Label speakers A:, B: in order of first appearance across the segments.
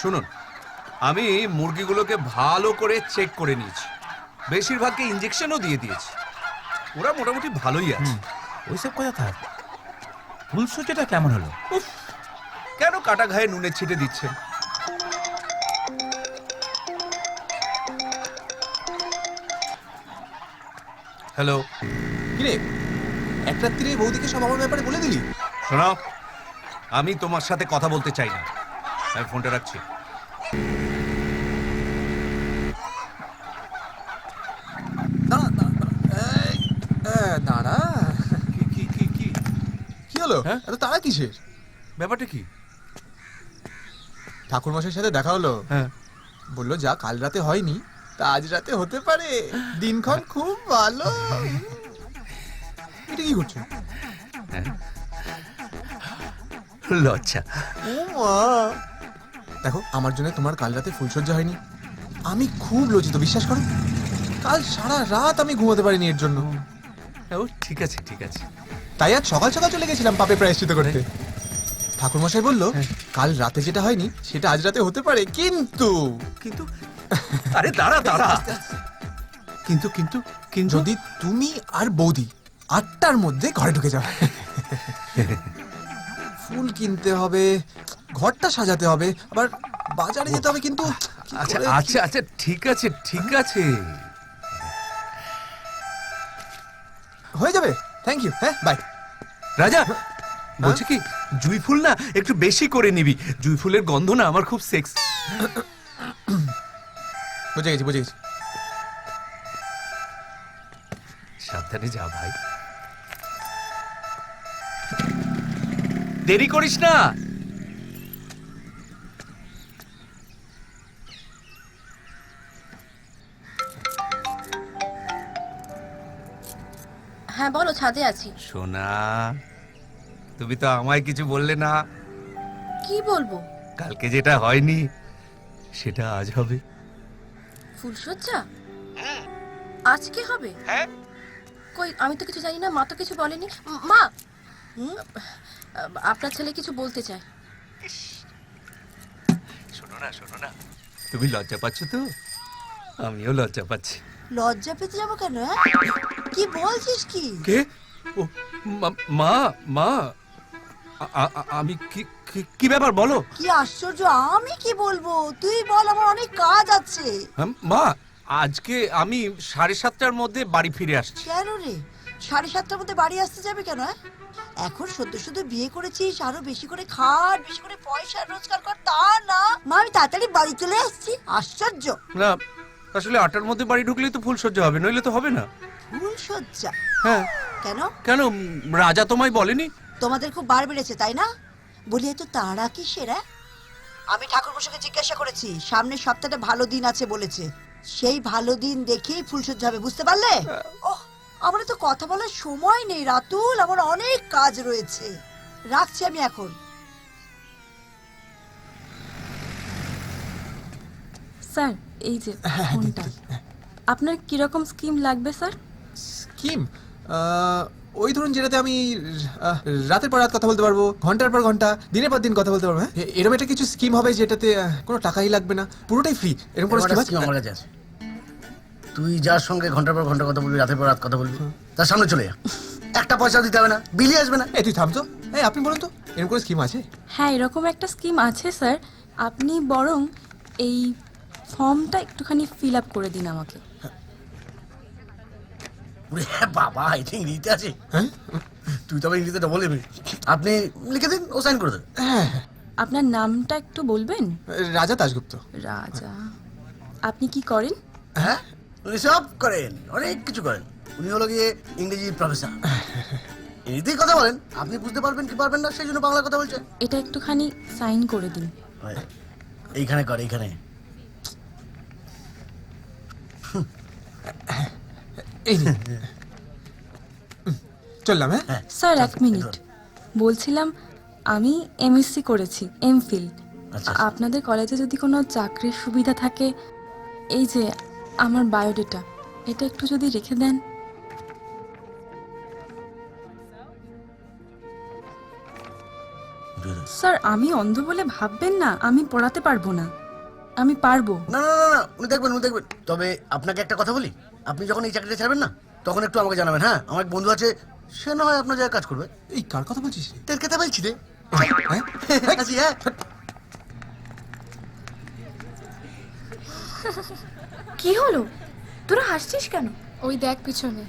A: শুনুন, আমি মুরগিগুলোকে ভালো করে চেক করে নিয়েছি, বেশিরভাগকে ইঞ্জেকশনও দিয়ে দিয়েছি। ওরা মোটামুটি ভালোই আছে।
B: ওইসব কথা থাক, ফুলসজ্জাটা কেমন হলো?
A: উফ, কেন কাটা ঘায়ে নুনের ছিটে দিচ্ছেন? হ্যালো,
C: কিরে, এক রাত্রিরে বৌদিকে সব আমার ব্যাপারে বলে দিলি?
A: শোনো, আমি তোমার সাথে কথা বলতে চাই না, আমি ফোনটা রাখছি।
C: দাঁড়া,
A: কি কি কি কি
C: কি হলো?
A: হ্যাঁ?
C: এত তারা কিসের?
A: ব্যাপারটা কি?
C: ঠাকুরমশাইয়ের সাথে দেখা হলো,
A: হ্যাঁ,
C: বললো যা কাল রাতে হয়নি তা আজ রাতে হতে পারে, দিনক্ষণ খুব ভালো। এটা কি করছো?
A: লজ্জা।
C: ও মা, দেখো আমার জন্য তোমার কাল রাতে ফুলসজ্জা হয়নি, আমি খুব লজ্জিত, বিশ্বাস করো। কাল সারা রাত আমি ঘুমোতে পারিনি এর জন্য।
A: ও ঠিক আছে ঠিক আছে।
C: তাই আজ সকাল সকাল চলে গেছিলাম পাপে প্রায়শ্চিত করতে। ঠাকুরমশাই বললো কাল রাতে যেটা হয়নি সেটা আজ রাতে হতে পারে, কিন্তু
A: কিন্তু আরে দাঁড়া দাঁড়া, কিন্তু কিন্তু কিন্তু
C: যদি তুমি আর বৌদি 8টার মধ্যে ঘরে ঢুকে যাও, ফুল কিনতে হবে, ঘরটা সাজাতে হবে, আবার বাজারে যেতে হবে, কিন্তু কি
A: আচ্ছা
C: করে-
A: আচ্ছা আচ্ছা ঠিক আছে ঠিক আছে।
C: হয়ে যাবে, থ্যাংক ইউ, হ্যাঁ বাই।
A: রাজা বলছি কি, জুঁই ফুল না একটু বেশি করে নিবি, জুঁই ফুলের গন্ধ না আমার খুব সেক্স।
C: বুঝে গেছি বুঝে গেছি।
A: সাবধানে যা ভাই, দেরি করিস না।
D: হ্যাঁ বলো, ছাদে আছি।
A: সোনা, তুমি তো আমায় কিছু বললে না।
D: কি বলবো?
A: কালকে যেটা হয়নি সেটা আজ হবে।
D: ফুলসজ্জা আজকে হবে?
A: হ্যাঁ,
D: কই, আমি তো কিছু জানি না, মা তো কিছু বলেনি। মা, আপনার ছেলে কিছু বলতে চায়।
A: শোনো না শোনো না, তুমি লজ্জা পাচ্ছ তো, আমিও লজ্জা পাচ্ছি।
E: লজ্জা পেতে যাবো কেন? কি বলছিস কি?
A: কে? ও মা মা, আমি কি কি ব্যাপার বলো।
E: কি আশ্চর্য, আমি কি বলবো? তুই বল, আমার অনেক কাজ আছে।
A: মা, আজকে আমি 7:30টার মধ্যে বাড়ি ফিরে আসছি।
E: কেন রে, 7:30টার মধ্যে বাড়ি আসতে যাবে কেন? এখন সদ্য সদ্য বিয়ে করেছিস, আরো বেশি করে খাট, বেশি করে পয়সা রোজগার কর, তা না মা আমি তাড়াতাড়ি বাড়ি চলে আসছি। আশ্চর্য।
A: না, আসলে 8টার মধ্যে বাড়ি ঢুকলেই তো ফুলসজ্জা হবে, নইলে তো হবে না।
E: ফুল সজ্জা?
A: হ্যাঁ।
E: কেন?
A: কেন, রাজা তোমায় বলেনি?
E: তোমাদের খুব বার বেড়েছে তাই না? বলি এত তাড়া কিসের? আমি ঠাকুরমশাইকে জিজ্ঞাসা করেছি, সামনের সপ্তাহটা ভালো দিন আছে বলেছে, সেই ভালো দিন দেখেই ফুলসজ্জা হবে, বুঝতে পারলে? ওহ, আমার তো কথা বলার সময় নেই রাতুল, আমার অনেক কাজ রয়েছে, রাখছি আমি এখন।
D: স্যার, এই যে ফোনটা, আপনার কিরকম স্কিম লাগবে স্যার?
C: স্কিম? ওই ধরুন যেটাতে আমি রাতের পর রাত কথা বলতে পারবো, ঘন্টার পর ঘন্টা, দিনের পর দিন কথা বলতে পারবো। হ্যাঁ, এরকম একটা কিছু স্কিম হবে যেটাতে কোনো টাকাই লাগবে না, পুরোটাই ফ্রি, এরকম কোনো স্কিম আছে?
F: আমার কাছে আছে। তুই যার সঙ্গে ঘন্টার পর ঘন্টা কথা বলবি, রাতের পর রাত কথা বলবি, তার সামনে চলে যা, একটা পয়সা দিতে হবে না, বিলি আসবে না।
C: এই তুই থাম তো, এই আপনি বলুন তো, এরকম কোনো স্কিম আছে?
D: হ্যাঁ, এরকম একটা স্কিম আছে স্যার, আপনি বরং এই ফর্মটা একটুখানি ফিল আপ করে দিন আমাকে।
F: ওরে বাবা, এটা ইংরেজিতে আছে?
C: হ্যাঁ
F: তুই তবে ইংরেজিতে ডবল নেবি। আপনি লিখে দিন, ও সাইন করে দেবে।
C: হ্যাঁ,
D: আপনার নামটা একটু বলবেন?
C: রাজা দাশগুপ্ত।
D: রাজা। আপনি কি করেন?
F: হ্যাঁ, উনি সব করেন, অনেক কিছু করেন। উনি হলো গিয়ে ইংরেজি প্রফেসর, ইংরেজিতেই কথা বলেন, আপনি বুঝতে পারবেন কি পারবেন না সেই জন্য বাংলা কথা বলছেন।
D: এটা একটুখানি সাইন করে দিন।
F: এইখানে কর, এইখানে।
C: এই নিন। চললাম। হ্যাঁ
D: স্যার, এক মিনিট, বলছিলাম আমি এমএসসি করেছি, এমফিল।
F: আচ্ছা।
D: আপনাদের কলেজে যদি কোনো চাকরির সুবিধা থাকে, এই যে আমার বায়োডেটা, এটা একটু যদি রেখে দেন। স্যার আমি অন্ধ বলে ভাববেন না, আমি পড়াতে পারবো না। আমি পারবো।
F: না না না না উনি দেখবেন উনি দেখবেন। তবে আপনাকে একটা কথা বলি, আপনি যখন এই চাকরিটা ছাড়বেন না তখন একটু আমাকে জানাবেন। হ্যাঁ, আমার এক বন্ধু আছে, সে না হয় আপনার জায়গায় কাজ করবে।
C: এই কার কথা বলছিস রে?
F: তোর কথা বলছি রে।
C: হ্যাঁ?
F: আছি, হ্যাঁ।
G: কি হলো, তোরা হাসছিস কেন? ওই দেখ পিছনে।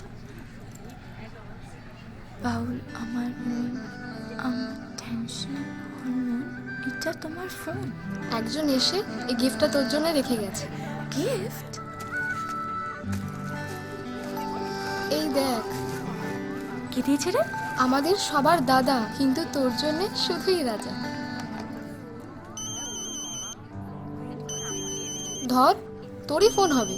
G: বাউল আমার মন, আমার টেনশন হরমোন, এটা তোমার ফোন। একজন এসে এই গিফটটা তোর জন্য রেখে গেছে। গিফট? এই দেখ।
D: কে দিয়েছে রে?
G: আমাদের সবার দাদা, কিন্তু তোর জন্য শুধুই রাজা। ধর, তোরই ফোন হবে।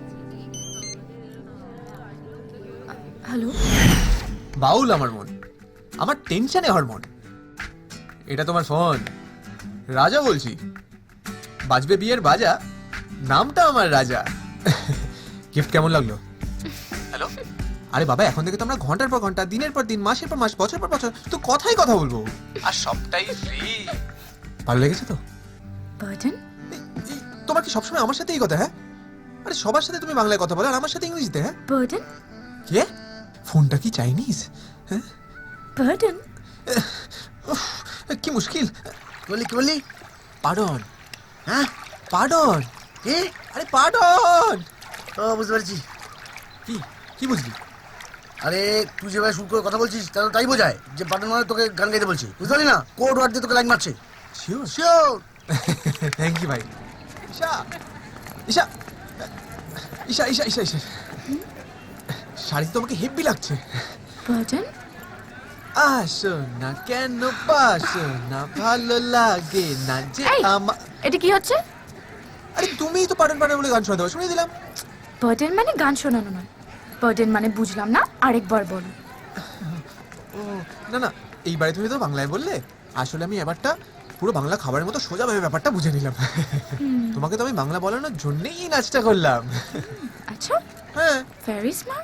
D: হ্যালো,
C: বাউল আমার মন, আমার টেনশনে হরমোন। এটা তোমার ফোন? রাজা বলছি, বাজবে বিয়ের বাজা, নামটা আমার রাজা। গিফট কেমন লাগলো? হ্যালো? আরে বাবা, এখন থেকে তো আমরা ঘন্টার পর ঘন্টা, দিনের পর দিন, মাসের পর মাস, বছর পর বছর তো কথাই কথা বলবো, আর সবটাই ফ্রি। ভালো লেগেছে তো?
D: বার্ডেন?
C: তোমার কি সবসময় আমার সাথে এই কথা? হ্যাঁ, আরে সবার সাথে তুমি বাংলায় কথা বলো আর আমার সাথে ইংরেজিতে। হ্যাঁ,
D: বার্ডেন?
C: কে? ফোনটা কি চাইনিজ? হ্যাঁ,
D: বার্ডেন?
C: উফ, কি মুশকিল।
F: কি বললি কি বললি?
C: পার্ডন।
F: হ্যাঁ,
C: পার্ডন।
F: কি?
C: আরে পার্ডন।
F: ও বুঝতে পারছি।
C: কি কি বুঝলি?
F: আরে তুই যেভাবে শুরু করে কথা বলছিস তাহলে তাই বোঝায় যে বাটন মানে তোকে গান গাইতে বলছি, বুঝতে পারলি না? কোড ওয়ার্ড দিয়ে তোকে লাইন মারছে।
C: শিওর।
F: শিওর।
C: থ্যাংক ইউ ভাই। ঈশা ঈশা ঈশা ঈশা ঈশা ঈশা শাড়িতে তোমাকে হেভি লাগছে।
D: বার্ডেন?
C: আসো না কেন বাসো না, ভালো লাগে না যে
G: এই!
C: আমার।
G: এটা কি হচ্ছে?
C: আরে তুমিই তো পার্ডন পার্ডন বলে গান শোনাতে হবে, শুনিয়ে দিলাম।
G: বার্ডেন মানে গান শোনানো নয়। বার্ডেন মানে বুঝলাম না, আরেকবার বলো।
C: ও না না, এইবারে তুমি তো বাংলায় বললে, আসলে আমি এবারটা পুরো বাংলা খাবারের মতো সোজাভাবে ব্যাপারটা বুঝে নিলাম। তোমাকে তো আমি বাংলা বলানোর জন্যই এই নাচটা করলাম।
G: আচ্ছা,
C: হ্যাঁ।
G: Very smart.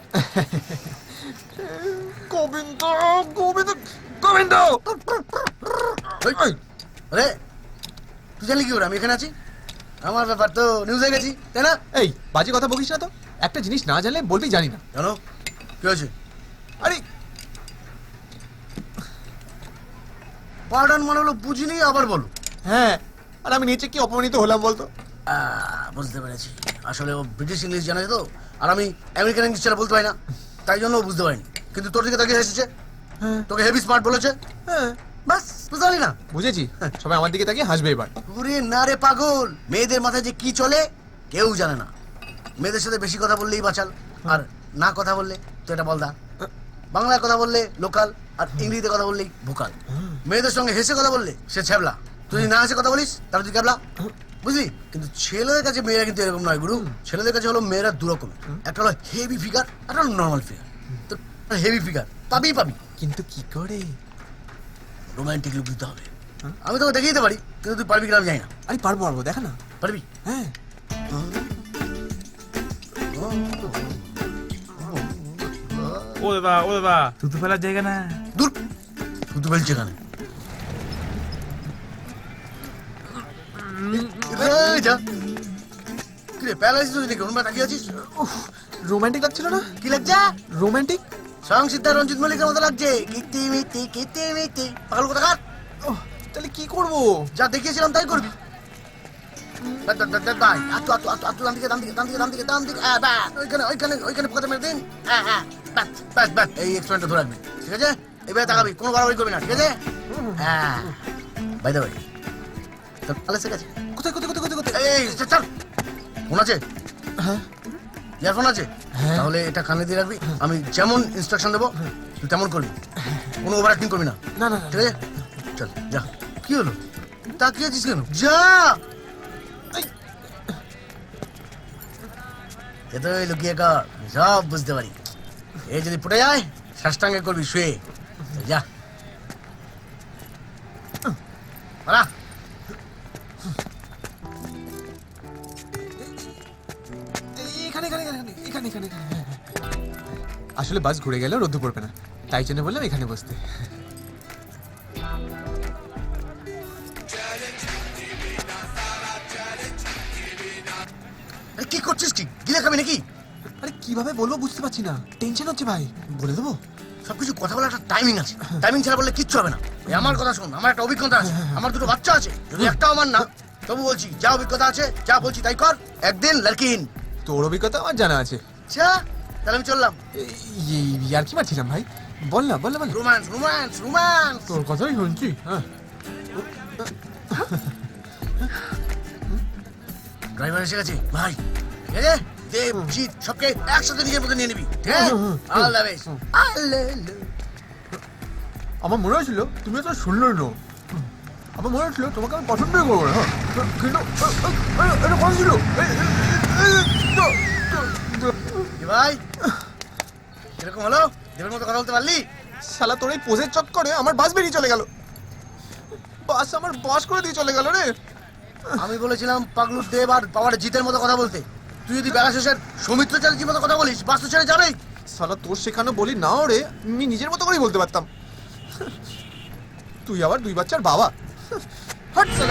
C: গোবিন্দ গোবিন্দ গোবিন্দ।
F: ওই, আরে তুই জানলি কি করে আমি এখানে আছি? আমার ব্যাপার তো নিউজ হয়ে গেছি, তাই না?
C: এই বাজে কথা বলিস না তো, একটা জিনিস না জানলে বলবি জানি না।
F: জানো কি হয়েছে?
C: আরে
F: পার্ডন মানে হলো বুঝিনি, আবার বলো।
C: হ্যাঁ, আর আমি নিচে কি অপমানিত হলাম বলতো?
F: বুঝতে পেরেছি, আসলে ও ব্রিটিশ ইংলিশ জানে তো, আর আমি আমেরিকান ইংলিশ ছাড়া বলতে পারি না, তাই জন্য ও বুঝতে পারিনি। কিন্তু তোর দিকে তাকিয়ে এসেছে,
C: হ্যাঁ
F: তোকে হেভি স্মার্ট বলেছে,
C: হ্যাঁ
F: বাস বুঝতে পারলি না?
C: বুঝেছি, সবাই আমার দিকে তাকিয়ে হাসবে এবার।
F: ওরে না রে পাগল, মেয়েদের মাথায় যে কি চলে কেউ জানে না। মেয়েদের সাথে বেশি কথা বললেই বাঁচাল, আর না কথা বললে তো এটা বলদা। বাংলায় কথা বললে লোকাল, আর ইংরেজিতে কথা বললেই ভোকাল। মেয়েদের সঙ্গে হেসে কথা বললে সে ছ্যাবলা, তুই যদি না হেসে কথা বলিস তাহলে তুই ক্যাবলা, বুঝলি? কিন্তু ছেলেদের কাছে মেয়েরা কিন্তু এরকম নয় গুরু। ছেলেদের কাছে হলো মেয়েরা দু রকম, একটা হলো হেভি ফিগার, একটা হলো নর্মাল ফিগার। তো হেভি ফিগার পাবি পাবি,
C: কিন্তু কি করে?
F: রোমান্টিক লুক দিতে হবে। আমি তোকে দেখিয়ে দিতে পারি, কিন্তু তুই পারবি কিনা আমি জানি না।
C: আরে পারবো পারবো, দেখা না।
F: পারবি?
C: হ্যাঁ
B: ও দাদা থুতু ফেলার জায়গা না।
F: দূর, তুই তো বলছি এখানে। এই যা। কি রে, প্যারালাইসিস হয়েছে নাকি? ওরম তাকিয়ে আছিস?
C: রোমান্টিক লাগছিল না?
F: কি লাগছে?
C: রোমান্টিক?
F: স্বয়ং সিদ্ধা রঞ্জিত মল্লিকের মতো লাগছে। কিতি মিতি কিতি মিতি, পাগল কোথাকার।
C: তাহলে কি করবো?
F: যা দেখিয়েছিলাম তাই করবি। দাই, আতু আতু আতু আতু, ডান দিকে ডান দিকে ডান দিকে ডান দিকে ডান দিকে, ব্যাস, ওইখানে ওইখানে ওইখানে কথা মেরে দিন। ব্যাস ব্যাস ব্যাস, এই এক্সপেরিমেন্টটা ধরে রাখবি, ঠিক আছে? এবারে তাকাবি, কোনো বাড়াবাড়ি করবি না, ঠিক আছে? হ্যাঁ, বাই দ্য ওয়ে, তোর পালে ঠিক আছে?
C: কোথায় কোথায় কোথায় কোথায় কোথায়?
F: এই চল চল, ফোন আছে?
C: হ্যাঁ
F: ইয়ারফোন আছে?
C: হ্যাঁ।
F: তাহলে এটা কানে দিয়ে রাখবি, আমি যেমন ইনস্ট্রাকশন দেবো তুই তেমন করবি, কোনো ওভার অ্যাক্টিং করবি না,
C: না না
F: ঠিক আছে? চল যা। কি হলো, তাকিয়ে আছিস কেন? যা। এতই লুকিয়ে কর, আমি সব বুঝতে পারি। এই যদি ফুটে যায় সাষ্টাঙ্গে করবি শুয়ে, যা পালা।
C: এখানে এখানে এখানে এখানে এখানে এখানে। আসলে বাস ঘুরে গেলেও রোদ্দু পড়বে না, তাই জন্য বললাম এখানে বসতে।
F: কি করছিস কি গিলে খাবি নাকি?
C: আরে কিভাবে বলবো বুঝতে পারছি না, টেনশন হচ্ছে ভাই। বলে দেবো?
F: সবকিছু কথা বলার একটা টাইমিং আছে, টাইমিং ছাড়া বললে কিচ্ছু হবে না। এই আমার কথা শোন, আমার একটা অভিজ্ঞতা আছে, আমার দুটো বাচ্চা আছে, যদি একটাও আমার না, তবু বলছি যা অভিজ্ঞতা আছে যা বলছি তাই কর, একদিন লড়কিন।
C: তোর অভিজ্ঞতা আমার জানা আছে।
F: আচ্ছা তাহলে আমি চললাম।
C: আর কি মারছিলাম ভাই, বল না বল না বল।
F: Romance romance romance.
C: তোর কথাই শুনছি। হ্যাঁ
F: ড্রাইভার এসে গেছে ভাই। ঠিক আছে, দেব জিৎ সবকে একসাথে নিজের মতো নিয়ে নিবি, ঠিক আছে? All the best.
C: আমার মনে হয়েছিল তুমি তো শুনলো না, আমার মনে হচ্ছিল তোমাকে আমি পছন্দই করবো না। হ্যাঁ কিন্তু এটা কথা ছিল।
F: কি ভাই এরকম হলো, দেবের মতো কথা বলতে পারলি?
C: শালা তোর এই পোজের চক্করে আমার বাস বেরিয়ে চলে গেল, বাস আমার বাস করে দিয়ে চলে গেল রে।
F: আমি বলেছিলাম পাগলুর দেব আর পাওয়ার জিতের মতো কথা বলতে, তুই যদি বেলা শেষের সৌমিত্র চ্যাটার্জির মতো কথা বলিস, বাস তো ছেড়ে যাবেই।
C: শালা তোর শেখানো বলি নাও রে, আমি নিজের মতো করেই বলতে পারতাম। তুই আবার 2 বাচ্চার বাবা। হাট শালা।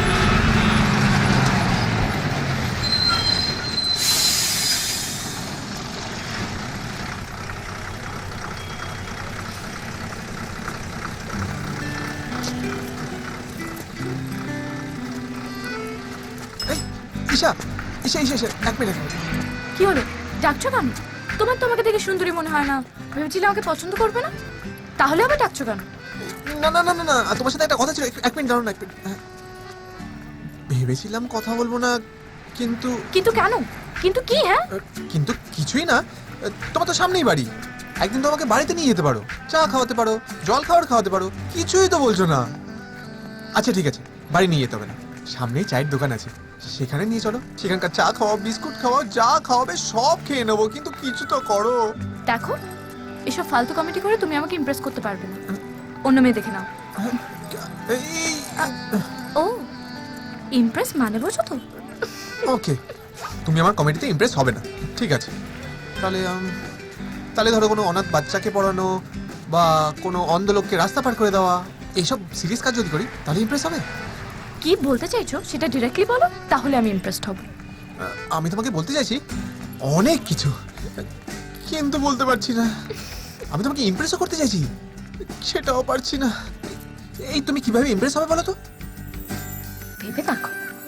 C: এই, ঈশা ঈশা ঈশা ঈশা, 1 মিনিট।
G: কি হলো, ডাকছো কেন? তোমার তো আমাকে দেখে সুন্দরী মনে হয় না, ভেবেছিলে আমাকে পছন্দ করবে না, তাহলে আবার ডাকছো কেন?
C: না না না না না, তোমার সাথে একটা কথা ছিল, 1 মিনিট দাঁড়াও না, 1 মিনিট। হ্যাঁ। ভেবেছিলাম কথা বলবো না, কিন্তু
G: কিন্তু কেন? কিন্তু কি? হ্যাঁ
C: কিন্তু কিছুই না। তোমার তো সামনেই বাড়ি, একদিন তো আমাকে বাড়িতে নিয়ে যেতে পারো, চা খাওয়াতে পারো, জল খাওয়াতে পারো, কিছুই তো বলছো না। আচ্ছা ঠিক আছে, বাড়ি নিয়ে যেতে হবে না, সামনেই চায়ের দোকান আছে, সেখানে নিয়ে চলো, সেখানকার চা খাওয়াও, বিস্কুট খাওয়াও, যা খাওয়াবে সব খেয়ে নেবো, কিন্তু কিছু তো করো।
G: দেখো, এসব ফালতু কমেডি করে তুমি আমাকে ইমপ্রেস করতে পারবে না, অন্য মেয়ে দেখে নাও।
C: এই
G: ও, ইমপ্রেস মানে বোঝো তো?
C: ওকে, তুমি আমার কমেডিতে ইমপ্রেস হবে না, ঠিক আছে। তাহলে তাহলে ধরো কোনো অনাথ বাচ্চাকে পড়ানো বা কোনো অন্ধ লোককে রাস্তা পার করে দেওয়া, এইসব সিরিয়াস কাজ যদি করি তাহলে ইমপ্রেস হবে।
G: কি বলতে চাইছো সেটা ডিরেক্টলি বলো, তাহলে আমি ইমপ্রেসড হব।
C: আমি তোমাকে বলতে চাইছি অনেক কিছু, কিন্তু বলতে পারছি না। আমি তোমাকে ইমপ্রেসও করতে চাইছি, সেটাও পারছি না। এই তুমি কিভাবে ইমপ্রেস হবে বলো তো?
G: ভেবে দেখো।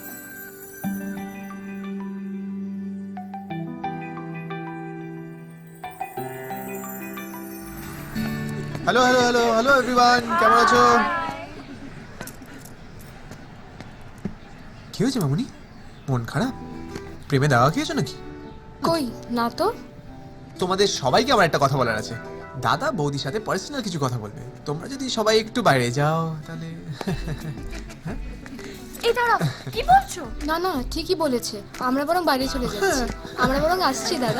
C: Hello hello hello hello everyone, কেমন আছো? কি হয়েছে মামুনি, মন খারাপ? প্রেমে দাওয়া খেয়েছো নাকি?
G: কই না তো।
C: তোমাদের সবাইকে আমার একটা কথা বলার আছে। দাদা বৌদির সাথে পার্সোনাল কিছু কথা বলবে, তোমরা যদি সবাই একটু বাইরে যাও তাহলে।
G: এই দাঁড়াও, কি বলছো?
H: না না, ঠিকই বলেছে, আমরা বরং বাইরে চলে যাচ্ছি। আমরা বরং আসছি দাদা।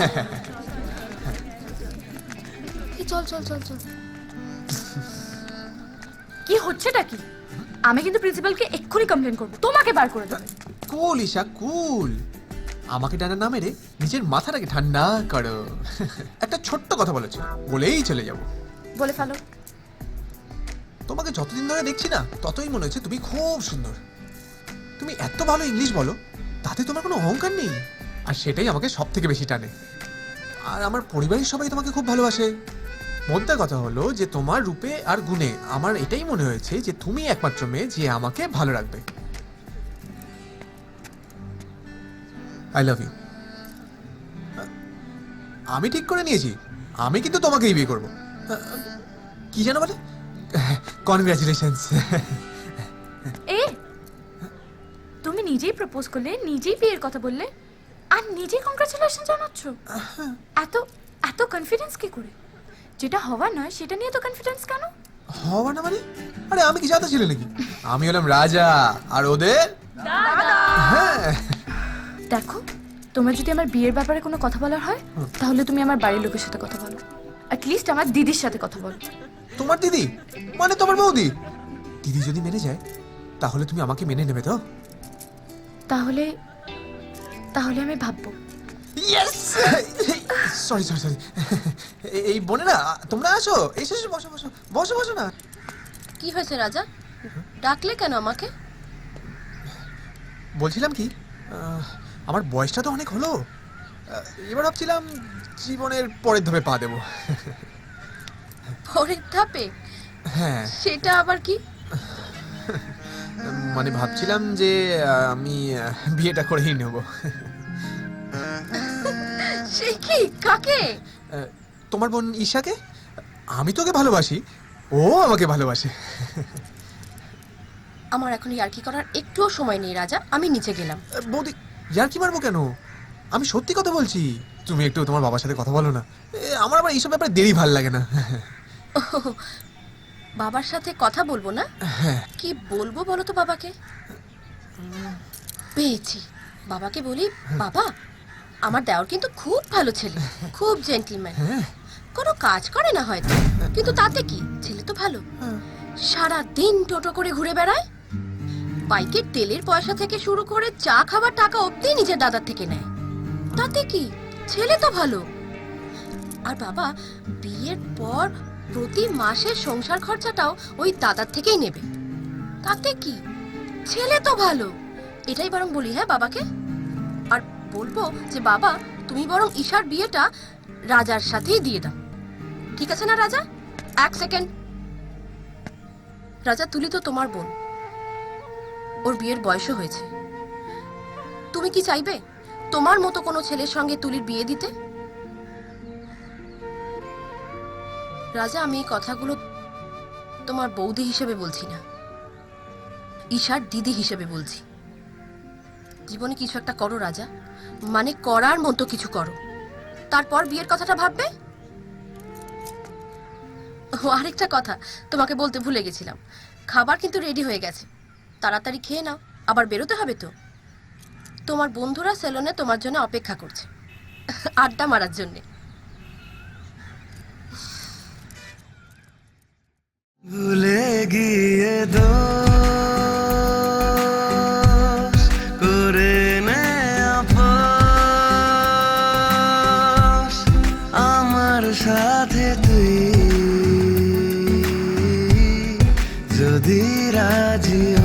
H: এই চল চল চল চল।
G: কি হচ্ছেটা কি? আমি কিন্তু প্রিন্সিপালকে এক্ষুনি কমপ্লেন করব, তোমাকে বার করে দেবে।
C: কুল ঈশা কুল, আমাকে ডানা না মেরে নিজের মাথাটাকে ঠান্ডা করো। একটা ছোট্ট কথা বলেছো, বলেই চলে যাব।
G: বলে ফেলো।
C: তোমাকে যতদিন ধরে দেখছি না, ততই মনে হচ্ছে তুমি খুব সুন্দর। তুমি এত ভালো ইংলিশ বলো, তাতে তোমার কোনো অহংকার নেই, আর সেটাই আমাকে সব থেকে বেশি টানে। আর আমার পরিবারের সবাই তোমাকে খুব ভালোবাসে। মোদ্দা কথা হলো যে তোমার রূপে আর গুণে আমার এটাই মনে হয়েছে যে তুমি একমাত্র মেয়ে যে আমাকে ভালো রাখবে। I love you. আমি ঠিক করে নিয়েছি, আমি কিন্তু তোমাকেই বিয়ে করবো। কি জানো বলে? কনগ্রাচুলেশনস।
G: এ, তুমি নিজেই প্রপোজ করলে, নিজেই বিয়ের কথা বললে, আর নিজেই কংগ্রাচুলেশন জানাচ্ছ। এত এত কনফিডেন্স কি করে? যেটা হওয়ার নয় সেটা নিয়ে তো কনফিডেন্স কেন?
C: হওয়া না মানে? আরে আমি কি জানতে ছিলে নাকি? আমি হলাম রাজা আর ওদের দাদা। হ্যাঁ
G: দেখো, তোমার যদি আমার বিয়ের ব্যাপারে কোনো কথা বলার হয়, তাহলে তুমি আমার বাড়ির লোকের সাথে কথা বলো, অ্যাটলিস্ট আমার দিদির সাথে কথা বলো।
C: তোমার দিদি মানে তোমার বৌদি? দিদি যদি মেনে যায় তাহলে তুমি আমাকে মেনে নেবে তো?
G: তাহলে তাহলে আমি ভাববো।
C: ইয়েস। Sorry sorry sorry. এই বোনেরা তোমরা আসো, এসে এসে বসো বসো বসো বসো না।
H: কি হয়েছে রাজা, ডাকলে কেন আমাকে?
C: বলছিলাম কি, আমার বয়সটা তো অনেক হলো, এবার ভাবছিলাম জীবনের পরের ধাপে পা দেবো।
D: পরের ধাপে?
C: হ্যাঁ,
D: সেটা আবার কি?
C: মানে ভাবছিলাম যে আমি বিয়েটা করেই নেব।
D: সে কি? কাকে?
C: তোমার বোন ঈশাকে। আমি তোকে ভালোবাসি, ও আমাকে ভালোবাসে।
D: আমার এখন ইয়ার্কি করার একটুও সময় নেই রাজা, আমি নিচে গেলাম।
C: বৌদি, ইয়ার কি মারবো কেন? আমি সত্যি কথা বলছি। তুমি একটু তোমার বাবার সাথে কথা বলো না, আমার আবার এইসব ব্যাপারে দেরি ভাল লাগে না।
D: বাবার সাথে কথা বলবো না?
C: হ্যাঁ।
D: কি বলবো বলো তো বাবাকে? পেয়েছি। বাবাকে বলি, বাবা আমার দেওর কিন্তু খুব ভালো ছেলে, খুব জেন্টলম্যান, কোনো কাজ করে না হয়তো, কিন্তু তাতে কি, ছেলে তো ভালো। সারা দিন টোটো করে ঘুরে বেড়ায়, বাইকের তেলের পয়সা থেকে শুরু করে চা খাবার টাকা অবধি নিজের দাদার থেকে নেয়, তাতে কি, ছেলে তো ভালো। আর বাবা বিয়ের পর প্রতি মাসে সংসার খরচাটাও ওই দাদার থেকেই নেবে, তাতে কি, ছেলে তো ভালো। এটাই বরং বলি হ্যাঁ বাবাকে, আর বলবো যে বাবা তুমি বরং ঈশার বিয়েটা রাজার সাথেই দিয়ে দাও, ঠিক আছে না রাজা? এক সেকেন্ড রাজা, তুলি তো তোমার বোন, ওর বিয়ের বয়সও হয়েছে। তুমি কি চাইবে তোমার মতো কোনো ছেলের সঙ্গে তুলির বিয়ে দিতে? রাজা, আমি এই কথাগুলো তোমার বৌদি হিসেবে বলছি না, ঈশার দিদি হিসেবে বলছি। জীবনে কিছু একটা করো রাজা, মানে করার মতো কিছু করো, তারপর বিয়ের কথাটা ভাববে। ও আরেকটা কথা তোমাকে বলতে ভুলে গেছিলাম, খাবার কিন্তু রেডি হয়ে গেছে, তাড়াতাড়ি খেয়ে নাও, আবার বেরোতে হবে তো। তোমার বন্ধুরা সেলুনে তোমার জন্য অপেক্ষা করছে, আড্ডা মারার জন্যে।
I: ভুলে গিয়ে দোষ করে নে আপোষ, আমার সাথে তুই যদি রাজি